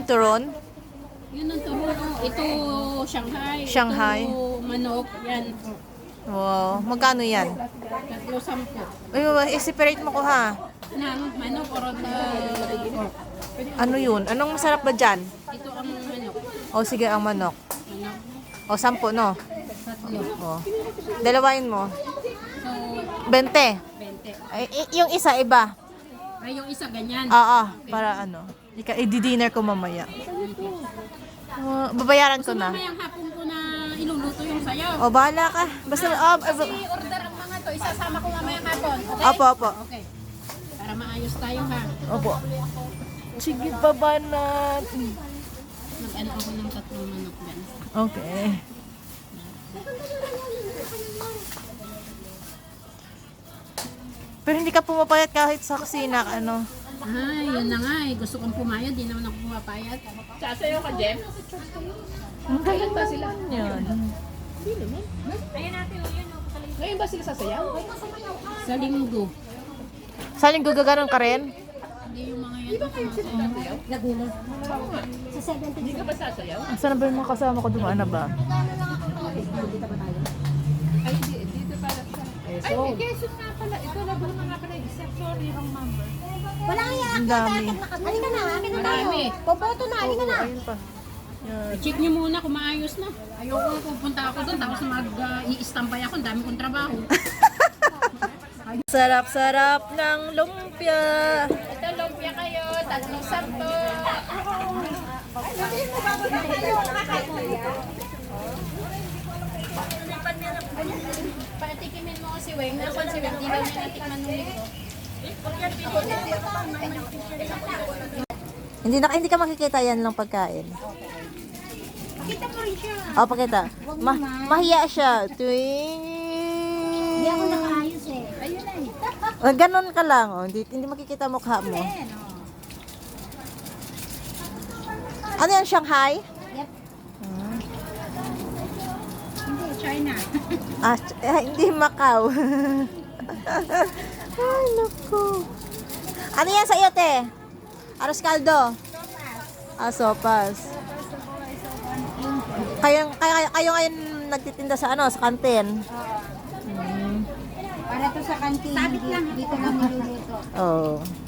Turon? Yun ang turon. Ito, Shanghai. Shanghai. Ito, manok. Yan. Wow. Magkano yan? 3-10. Ay, i-separate mo ko ha. Manok or pork. Ano yun? Anong masarap ba dyan? Ito ang manok. O sige, ang manok. Manok. O, 10, no? 3. O. Dalawain mo. So, 20. 20. Ay, yung isa, iba. Ay, yung isa ganyan. Oo, para ano. I-dinner ko mamaya. Babayaran ko na. Mamayang hapon ko na iluluto yung sayaw. O, bahala ka. Basta, I-order ang mga to. Isasama ko mamayang hapon. Okay? Opo, opo. Okay. Para maayos tayo ha. Opo. Sige, baba natin. Mag-ano ako ng 3 manok gan. Okay. Pero hindi ka pumapayat kahit sa kusina, ano? Ay, yun na nga eh. Gusto kong pumayat. Di naman ako pumapayat. Sasayaw ka, Jem? Kailan ba sila? Yan. Hindi naman. Ngayon ba sila sasayaw? Sa linggo. Sa linggo gaganon ka rin? Hindi yung mga yan. Laguna. Hindi ka ba sasayaw? Saan ba yung mga kasama ko dumaan na ba? Ay, dito pala siya. Ay, may Quezon nga pala. Ito, Laguna nga pala. Except, sorry, wrong number. Wala kaya. Ang dami. Halika na, halika na tayo. Marami. Boboto na, halika na. Ayun pa. Yan. I-check nyo muna kung maayos na. Ayoko pupunta ako doon. Tapos mag-i-stampay ako. Ang dami kong trabaho. Sarap-sarap ng lumpia. Ito, lumpia kayo. 3-10. Patikimin mo si Weng. Nasaan si Weng? Di ba may natikman nung ito? Hindi ka makikita yan lang pagkain. Kita mo rin siya. O, pakita. Mahiya siya. Hindi ako nakaayos eh. Ayun na eh. Ganon ka lang. Oh. Hindi makikita mukha mo. Ano yan, Shanghai? Yep. Hindi, China. Hindi Macau. Ay, naku. Ano yan sa iyo, te? Aros caldo? Sopas. Kayo ngayon nagtitinda sa ano, sa kantin? Para to sa kantin. Sabit lang. Dito lang niluluto. Oh.